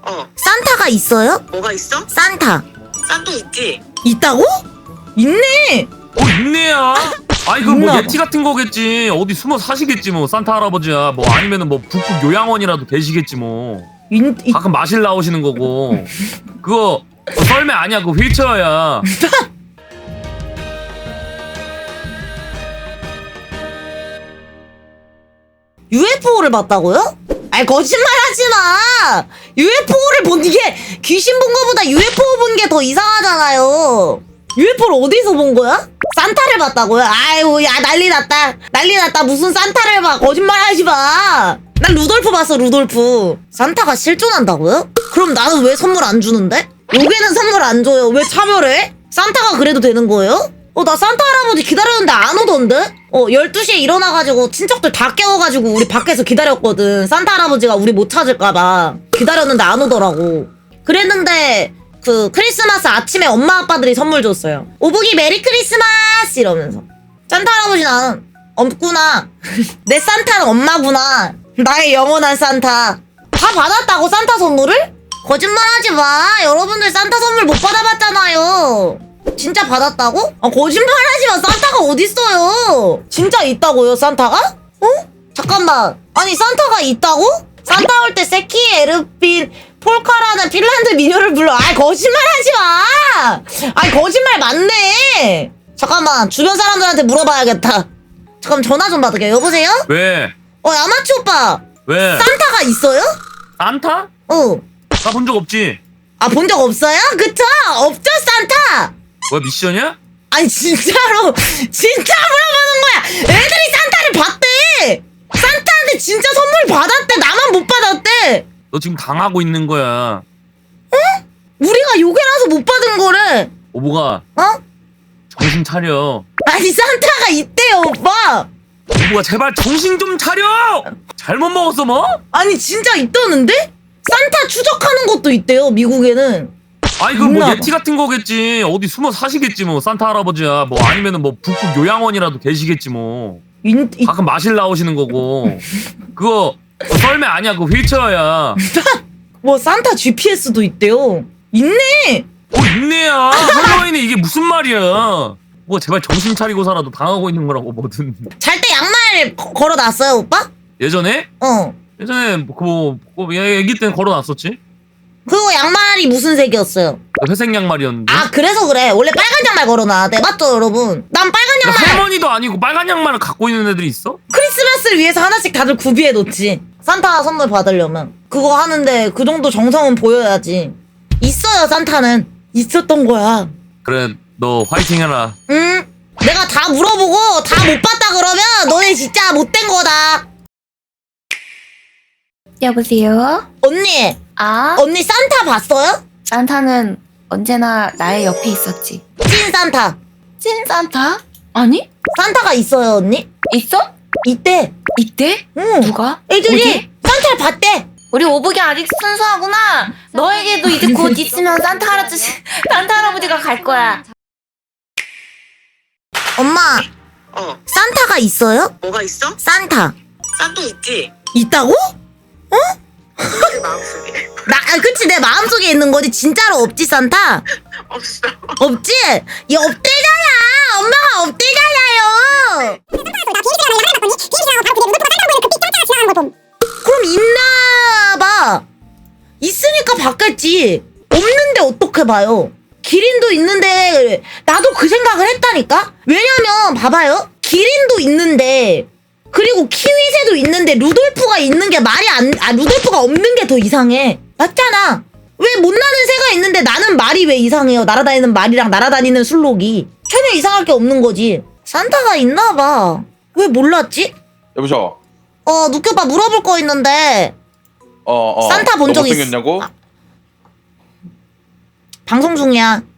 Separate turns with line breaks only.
산타가 있어요?
뭐가 있어?
산타.
산타 있지?
있다고? 있네.
있네야. 아이 그 뭐
있나 봐.
예티 같은 거겠지. 어디 숨어 사시겠지 뭐 산타 할아버지야. 뭐 아니면은 뭐 북극 요양원이라도 계시겠지 뭐. 가끔 마실 나오시는 거고. 그거 썰매 아니야. 그거 휠체어야.
UFO를 봤다고요? 아이 거짓말하지 마. UFO를 본 게 귀신 본 거보다 UFO 본 게 더 이상하잖아요. UFO를 어디서 본 거야? 산타를 봤다고요? 아이고 야 난리 났다. 난리 났다. 무슨 산타를 봐. 거짓말하지 마. 난 루돌프 봤어 루돌프. 산타가 실존한다고요? 그럼 나는 왜 선물 안 주는데? 여기는 선물 안 줘요. 왜 참여를 해? 산타가 그래도 되는 거예요? 나 산타 할아버지 기다렸는데 안 오던데? 12시에 일어나가지고 친척들 다 깨워가지고 우리 밖에서 기다렸거든. 산타 할아버지가 우리 못 찾을까봐. 기다렸는데 안 오더라고. 그랬는데 그 크리스마스 아침에 엄마 아빠들이 선물 줬어요. 오복이 메리 크리스마스 이러면서. 산타 할아버지 나는 없구나. 내 산타는 엄마구나. 나의 영원한 산타. 다 받았다고 산타 선물을? 거짓말하지 마. 여러분들 산타 선물 못 받아봤잖아요. 진짜 받았다고? 거짓말하지 마. 산타가 어딨어요? 진짜 있다고요 산타가? 잠깐만. 아니 산타가 있다고? 산타 올 때 세키 에르핀 폴카라는 핀란드 민요를 불러. 거짓말하지 마. 거짓말 맞네. 잠깐만 주변 사람들한테 물어봐야겠다. 잠깐 전화 좀 받을게요. 여보세요?
왜?
야마치 오빠.
왜?
산타가 있어요?
산타? 나 본 적 없지.
본 적 없어요? 그쵸? 없죠 산타.
뭐야 미션이야?
아니 진짜로 진짜 물어보는 거야. 애들이 산타를 봤대. 산타한테 진짜 선물 받았대. 나만 못 받았대.
너 지금 당하고 있는 거야.
우리가 요괴라서 못 받은 거래.
오보가 정신 차려.
아니 산타가 있대요 오빠.
오보가 제발 정신 좀 차려. 잘못 먹었어 뭐?
아니 진짜 있다는데? 산타 추적하는 것도 있대요 미국에는.
아이 그 뭐
있나 봐.
예티 같은 거겠지. 어디 숨어 사시겠지 뭐 산타 할아버지야. 뭐 아니면은 뭐 북극 요양원이라도 계시겠지 뭐. 가끔 마실 나오시는 거고. 그거 썰매 아니야. 그거 휠체어야.
뭐 산타 GPS도 있대요. 있네.
있네야. 할로윈이 이게 무슨 말이야. 뭐 제발 정신 차리고 살아도 당하고 있는 거라고 뭐든.
잘 때 양말 걸어놨어요 오빠?
예전에? 예전에 뭐 애기 때는 걸어놨었지.
그거 양말이 무슨 색이었어요?
회색 양말이었는데.
그래서 그래. 원래 빨간 양말 걸어놔야 돼. 맞죠 여러분? 난 빨간 양말.
할머니도 아니고 빨간 양말을 갖고 있는 애들이 있어?
크리스마스를 위해서 하나씩 다들 구비해 놓지. 산타 선물 받으려면 그거 하는데 그 정도 정성은 보여야지. 있어요 산타는. 있었던 거야.
그래 너 화이팅 해라.
응? 내가 다 물어보고 다 못 봤다 그러면 너네 진짜 못된 거다.
여보세요?
언니 언니 산타 봤어요?
산타는 언제나 나의 옆에 있었지.
찐 산타.
찐 산타? 아니?
산타가 있어요 언니?
있어?
있대.
있대?
응.
누가?
애들이
어디?
산타를 봤대.
우리 오복이 아직 순수하구나. 너에게도 이제 곧 있으면 산타 할아버지가 갈 거야.
엄마 산타가 있어요?
뭐가 있어?
산타.
산타 있지?
있다고?
내 마음속에
그치 내 마음속에 있는 거지. 진짜로 없지 산타?
없어.
없지? 얘 없대잖아. 엄마가 없대잖아요. 그럼 있나봐. 있으니까 봤겠지. 없는데 어떻게 봐요? 기린도 있는데 나도 그 생각을 했다니까? 왜냐면 봐봐요. 기린도 있는데 그리고 키위새도 있는데 루돌프가 있는 게 루돌프가 없는 게 더 이상해. 맞잖아. 왜 못나는 새가 있는데 나는 말이 왜 이상해요? 날아다니는 말이랑 날아다니는 술록이 전혀 이상할 게 없는 거지. 산타가 있나봐. 왜 몰랐지?
여보셔.
누켜봐 물어볼 거 있는데. 산타 본 적 있어?
못생겼냐고?
방송 중이야.